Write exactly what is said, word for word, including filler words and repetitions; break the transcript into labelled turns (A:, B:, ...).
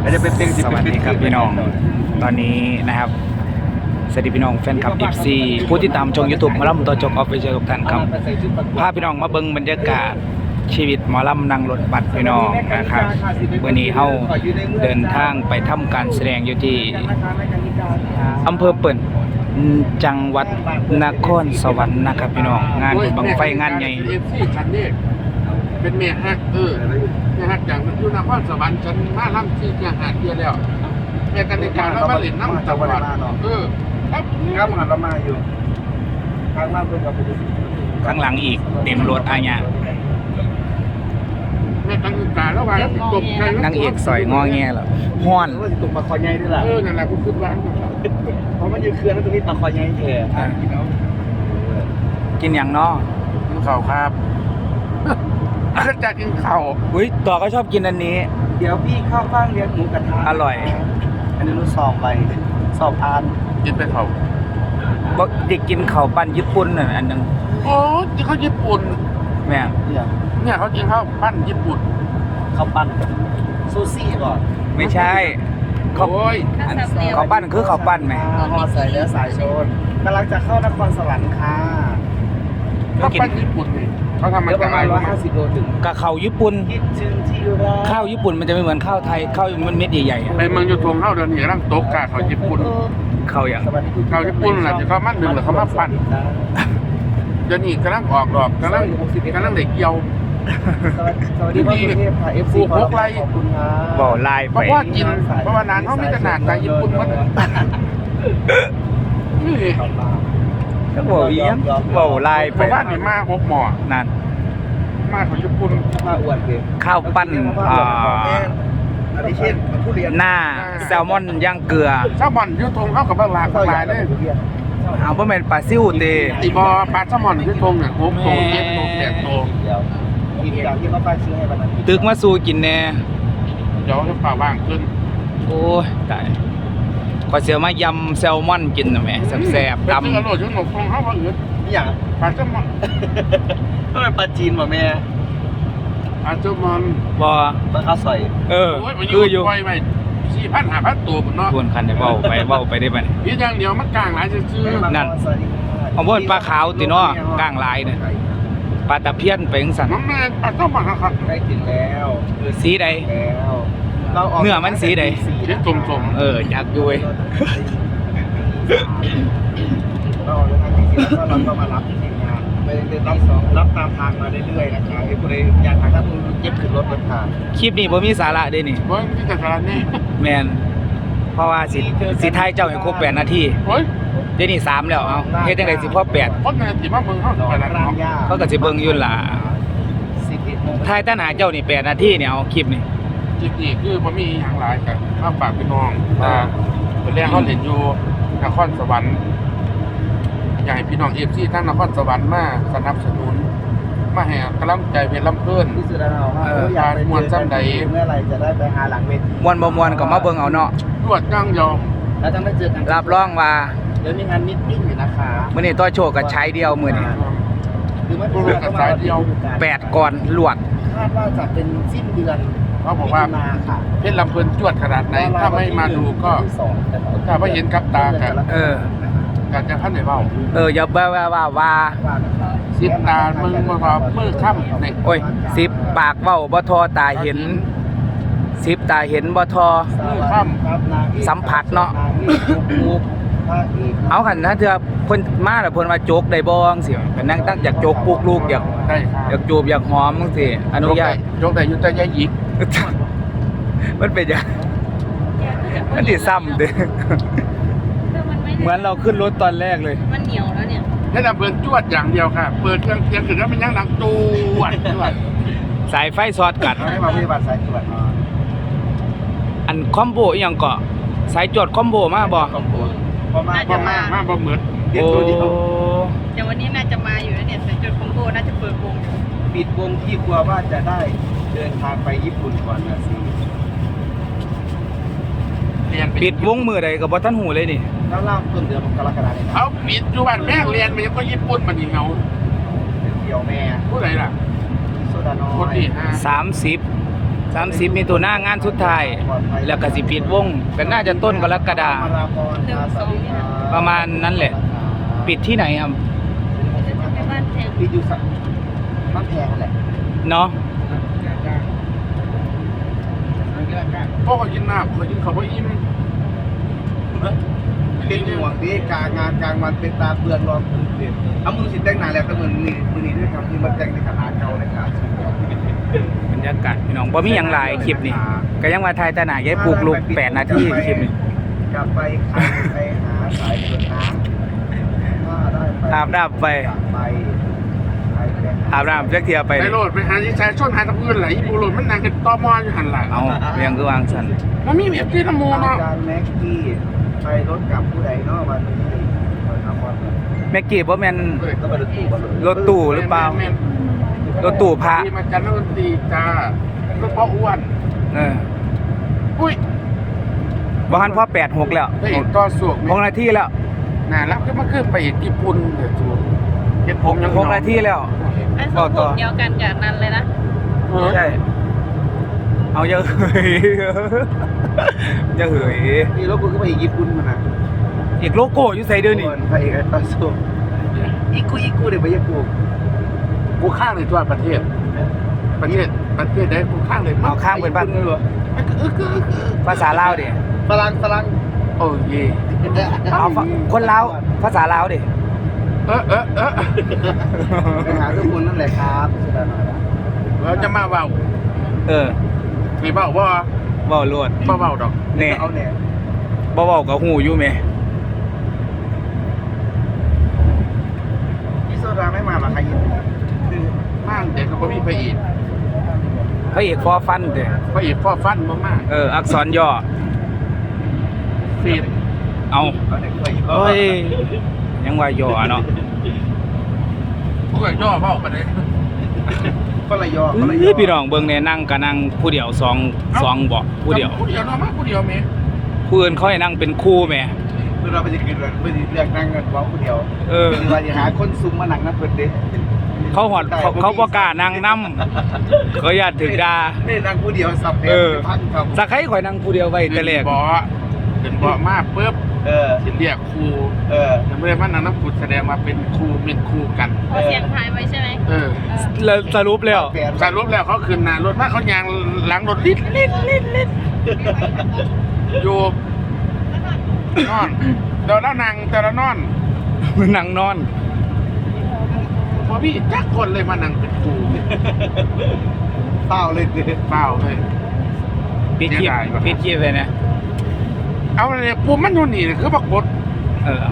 A: จะเป็นเพลง
B: สวัสดีครับพี่น้องตอนนี้นะครับสวัสดีพี่น้องแฟนคลับ เอฟ ซี ผู้ที่ตามชม YouTube หมอลำตัวจบออฟฟิเชียลทุกท่านครับพาพี่น้องมาเบิ่งบรรยากาศชีวิตหมอลำนั่งรถบัสพี่น้องนะครับวันนี้เฮาเดินทางไปทำการแสดงอยู่ที่อำเภอเปิ่นจังหวัดนครสวรรค์นะครับพี่น้องงานบุญบังไฟงานใหญ่
A: เอฟซีฉันนี่เป็นเมียฮักเออเมียฮักอย่างอยู่นครสวรรค์ฉันมาล่ำที่จะหาเทียแล้วเมียกันในการแล้วมาเล่นน้ำจังหวัดเออครับครับมันเรามาอยู่ทางมาเพื่อนกับ
B: ข้างหลังอีกเต็มรถอาญา
A: เมียกันในการแล้วว่าตกใจ
B: นางเอกสอยงอแงเหรอฮ้อน
C: ว่าจะตกปลาคอใหญ่ด้วยล่ะ
A: เออนั่นแหละคุณคิดว่า
C: เพราะมันอยู่เคลื่อนแล้วตรงนี้ปลาคอใหญ่แท้
B: กินอย่างเนาะ
A: กินข้าวครับจะกินข้าว
B: อุ้ยต่อก็ชอบกินอันนี้
C: เดี๋ยวพี่เข้าบ้างเลี้ยงหมูกระทะ
B: อร่อย
C: อันนี้รู้สอบไปสอบอ่าน
A: กินไปข้าว
B: บอกเด็กกินข้าวปั้นญี่ปุ่นน่ะอันหนึง
A: โอ้ที่เขาญี่ปุ่น
B: แม่
C: เนี่ย
A: เนี่ยเขากินข้าวปั้นญี่ปุ่น
C: ข้าวปั้นซูซี่ก่อน
B: ไม่ใช่ข้าว
A: โอ้ย
B: อันข้าวปั้นคือข้าวปั้นไหม
C: ห่อใส่แล้วสายโชนกำลังจะเข้านครสวรรค์ค่ะ
A: ข้าวปั้นญี่ปุ่นนี่เขาทำมา
C: เดี๋ยวป
A: จาก
C: ระ
A: อะ
C: มา
A: ไร
C: ณร้อยห้าสิบโลถึง
B: กับข้าวญี่ปุ่น
C: คิดถึงที่รัก
B: ข้าวญี่ปุ่นมันจะไม่เหมือนข้าวไทยข้าวมันเม็ดใหญ่ๆอะ
A: ไปเมืองยูทงเข้าเดือนนี้ร่างโต๊ะกาเขาญี่ปุ่น
B: ข้าวอย่าง
C: สวัสดีคุณ
A: ข้าวญี่ปุ่นน่ะที่เขามัดหนึ่งหรือเขามาปั้นเดี๋ยวนี้กำลังออกดอกกำลังกำลังเด็กเกี่ยว
C: สวัสดีสวัสดีพ่อสุเทพค่ะ เอฟ ซี ขอขอบคุณครับ
B: บ่อลาย
A: เพ
B: ไป
A: ราะว่ากินเพราะว่านานเขาไม่ขนาดใจญี่ปุ่นมันนี่
B: ก็บ่เวียงบ่อลาย
A: เพ
B: ไป
A: ราะว่านี่มาหกหมอ
B: นั่น
A: มาของญี่ปุ่น
C: มาอวดเลย
B: ข้าวปั้นอ่า
C: อันนี้เช่นทุเรียน
B: หน้าแซลมอนย่างเกลือ
A: แซลมอนยูทงเข้ากับบางหลากหลายเลย
B: เอาบ่แม่นปลาซิ่วเต
A: ตีบอปลาแซลมอนยูทงเนี่ยโค้งโตเจ็ดโตแปดโต
C: เดี๋ยวกินอย่างที่เขาป้ายซื้อให้วันนั้น
B: ตึกมาสู่กินแน่
A: เดี๋ยวจะฝ่าบ้างขึ้น
B: โอ้ยตายขอเสียมายำแซลมอนกินน่ะแหม่แซ่บๆ
A: ตำ
B: ตำ
A: อร่อยจนหนกฟองเข้าว่าอื่น
C: นี่อย่าง
A: ปลาแซลมอน
C: ต้องเป็นปลาจีนป่ะแม่
A: ปลาแซลมอน
B: บ่
C: ปลาข้าวซอย
B: เออ
A: โอ้ยมัน
B: คืออยู่
A: ปล่อยไปสี่พันห้าพันตัวหมดเนาะ
B: ทวนคันได้เว้าไปเว้าไปได้บัดนี้
A: พี่อย่างเดียวมันกลางหลายซื่อ
B: นั่น
C: สวัสดีค่ะ
B: เอาบ่เป็นปลาขาวติเนาะกลางลายเนี่ยปลาตะเพียนไปจังซั่น
A: ๆน้องแม่ปลาแซลมอนนะครับ
C: ใกล้ถึงแล้ว
B: สีใด
C: แล้วเราออก
B: เนื้อมันสีใด
A: สีส้ม
B: เอออยากอยู่เว้ย
C: เราออกจากทางที่สี่แล้วก็เราก็มารับทีมงานไปเรื่อยๆรับสองรับตามทางมาเรื่อยๆนะครับไอ้ผู้ใดอยากทางถ้าคุณเย็บขึ้นรถรถผ่าน
B: คลิปนี้บ่มีสาระเด้นี่
A: ๆโอ้ยนี่แต่สารนี่
B: แม่นเพราะว่าสิสิท้ายเจ้าให้ครบแปดนาที
A: โอ้ย
B: เดี๋ยวนี้สามแล้วเอาเฮ็ดจังได๋สิพอแปด
A: คนในที่มาเมืองเขา
C: ดอก
A: ไปแล้ว
C: ราง
A: เนาะ
C: หญ้า
B: เขาก็สิเบิ่งอยู่ล่ะ
C: สิบเอ็ดโมง
B: ท้ายตั้งหาเจ้านี่แปดนาทีเนี่ยเอาคลิปนี่
A: จิตนี่คือผมมีอย่างหลายกับข้าวปากพี่น้องแต่เป็นแรกเขาเห็นอยู่นครสวรรค์อยากให้พี่น้องเอฟซีทั้งนครสวรรค์มาสนับสนุนมาให้กำลังใจเพชรลำเพิ่น
C: ที่สุดแล้วว่าเอออยากไปเจอกันเมื่อไหร่จะได้ไปหาหลังเวที
B: ม่วนบ่ม่วนก็มาเบิ่งเอาเนาะ
A: รวดย่างเดียว
C: แล้วจะไม่เจอกัน
B: รับรองว่า
C: เดี๋ยวมีงานมิทติ้งอยู่นะคะ
B: มื้อนี้ต่อโชว์ก็ใช้เดียวมื้อนี้
C: หรือไม่เป็นก็มาเดียว
B: แปดก่อนลวด
C: คาดว่าจะเป็นสิ้นเดือน
A: เขาบอกว่า
C: มาค่ะ
A: เพชรลำเพิ่นจวดขนาดไหนถ้าไม่มาดูก็ถ้าไม่เห็นกับตากัน
B: เออ
A: การจะพันในเบ้า
B: เอออย่าว่าว่าว่าว่า
A: สิบตามึงมาว่ามือค่ำนี่
B: โอ้ยสิบปากเว้าบ่ทอตาเห็นสิบตาเห็นบ่ทอ สัมผัสเนาะ เอาคันถ้าเธอเพิ่นมาแล้วเพิ่นว่าโจกได้บ่จังซี่ก็นั่งตั้งอยากโจกปลูกลูกอยาก
A: ได้ครับ
B: อยากจูบอยากหอมจังซี่อนุญาต
A: ยกได้ยุติยาหยิก
B: มันเป็นอย่างมันดิซ้ำเด้เหมือนเราขึ้นรถตอนแรกเลย
D: มันเหนียวแล้วเนี่ย
A: เพชรลำเพิ่นจวดอย่างเดียวค่ะ เปิดเครื่องเสียงขึ้นแล้วมันยังดังจวดจวด
B: สายไฟสอดกัด
C: ให้มาปฏิบัติสายตรวจ
B: อันคอมโบอีหยังเกาะสายจดคอมโบมาบ่
C: คอมโบเพราะมา
A: บ่มามาบ่เหมือน
C: เรียน
B: โอ้
C: ตัวเดียว
D: เดี๋ยววันนี้น่าจะมาอยู่แล้วเนี่ยแต่จุดคอมโบน่าจะเปิดวงอยู่
C: ปิดวงที่กลัวว่าจะได้เดินทางไปญี่ปุ่นก่อนนะสิ
A: เรียน
B: ปิดวงมือใดก็บ่ทันหูเลยนี่
C: แล้วเล่าต้นเดือนกรกฎาคม
A: เอาปิดอยู่บ้านแม่เรียนมันยังก็ญี่ปุ่นมันนี่เงา
C: เดี่ยวแม่
A: ผู้ใดล่ะ
C: โซดาน้อ
A: คน
C: ย
A: ที่ห้า
B: สามสิบสามสิบมีตัวหน้างานสุดท้าย แล้วก็สิปิดวงก็น่าจะต้นกรกฎาคม
C: มาราพรครับสวัสดีครับ
B: ประมาณนั้นแหละ ปิดที่ไหนครับ
D: ไปบ้านแพง
C: ปิดอยู่สักบ้านแพงนั่นแหละ
B: เนาะ
A: พ่อเขากินน้ำเขากินเขาไม่อิ่ม
C: เป็นห่วงที่กลางงานกลางวันเป็นตาเปลืองรองพื้นเด่นเอามือสิแต่งหน้าแล้วก็เหมือนมือมือนี้ด้วยครับที่มาแต่งในขนาดเก่าเลยครับ
B: บรรยากาศพี่น้องบ่มีหยังหลายคลิปนี่ก็ยังว่าถ่ายแต่หน้าย้ายปลูกลูกแปดนาทีคลิปนี้
C: กลับไปใครไปหาสายเดินน้ำถ้าได้ไป
B: อาบน้ำไป
C: กลับไปใครไปห
B: อาบน้ำจักเที่ยไป
A: ไป
B: นี่
A: โหลดไปหาที่ชายชนหาตะพื้นไหลอีปูโหลดมันนางกันตอมออยู่หันหลัง
B: เอาเรียงคือวางซั่น
A: มันมีแบบที่น้ำมู
C: อา
A: เนาะ
C: จารย์แม็กกี้ไปรถกับผู้ใดเนาะวันนี้ไปทำวัน
B: แม็กกี้บ่แม่น
C: ก็ไปรถตู้กันเลย
B: รถตู้หรือเปล่า
A: แม่น
B: รถตู้พระ
A: ๆที่มาจันทร์ดนตรีจ้ารถพ่ออ้วน
B: เออ
A: อุ้ย
B: บ่ทันพอแปดหกแล้ว
A: พระเอกต่อสวก
B: หกนาทีแล้ว
A: น่ารักก็มาขึ้นไปเอกญี่ปุ่นเดี๋ยวจูเห็นผมยัง
B: หกนาทีแล้ว
D: ไอ้สองผมเดียวกันกับนั้นเลยนะ
A: เออ
B: ใช่ เอาเยอะเหยเยอะเหย
C: นี่รถกูก็ไปญี่ปุ่นมานะ
B: อีกโลโก้อยู่ใส่เด้อนี่
C: พระเอกไอ้ต่อสู้อีกูอีกูเดี๋ยวไปญี่ปุ่น
A: กูข้างในตัวประเทศ ประเทศประเทศได้กูข้างเลย
B: เอาข้างเป็นบ้าน
C: เลยเหรอ
B: ภาษาลาวดิ
C: ฝรั่งฝรั่ง
A: โอ้ย
B: เอาฝคนลาวภาษาลาวดิ
A: เออเออเออ
C: ไปหาทุกคนนั่นแหละครับสุดาหน่อยละ
A: เราจะมาเบา
B: เออ
A: ไม่เบาว่า
B: เว้าโลด
A: เบาเบาดอก
B: แน่
C: เอาเนี่ย
B: บ่เว้าก็ฮู้อยู่แหม่
C: พี่โซดาไม่มาหรอใครยินคือ
A: ม่านเด็กก็บ่มีพระเอก
B: พระเอกฟอฟันเด้
A: พระเอกพ่อฟันบ่มาก
B: เออ อักษรย่อ
A: ฟีด
B: เอา
C: เอาเด็กไป
B: เฮ้ย ยังว่าย่อเนาะ
A: พวกไอ้ย่อเบาไปเลย
C: ก็ระยองก็ระย
B: เอ้
C: อย ง
B: พี่น้องเบิ่งแน่นั่งก็นั่งผู้เดียวสองสองเบ่ผู้เดียว
A: ผู้เดียวเนาะมาผู้เดียวแม่
B: ผู้อื่นเขาให้นั่งเป็นคู่แหม่
C: คือเราไปจะกินไปจะเลือกนั่งกันว้าคนเดียว
B: เออ
C: คือว่าจะหาคนซุ่มมานั่งนั่งเปิดเด็ด
B: เขาหอดเขาเขาบ่กล้านั่งนํเขาญาติถึกด่า
C: นี่นั่งผู้เดียวสับ
B: เออ
C: พันครับ
B: สักใครข่อยนั่งผู้เดียวไว้แต่แรก
A: เบ่เป็นเบ่มาปุ๊บ
C: เออ
A: สิเรียกครู
C: เออ
A: ยังไม่ได้มานั่งน้ำกุดแสดงมาเป็นครูเป็นครูกัน
D: พอเสียงทายไว้ใช่ไหม
A: เออ
B: แล้วสรุปแล้ว
C: แฟน
A: สรุปแล้วเขาคืนนารถมาเขายางหลังรถลิดลิดลิดลิดอยู่นอนเดี๋ยวแล้วนางแต่ละนอน
B: นั่งนอน
A: พอพี่จักคนเลยมานั่งเป็นครู
C: เต้าเลยเด้อ
A: เปล่าเลย
B: ปิดคลิป
A: เสียดายว่ะ
B: ปิดคลิปเลยนะ
A: เอาเลยปูมันอยู่นี่คือบักบด
B: เออ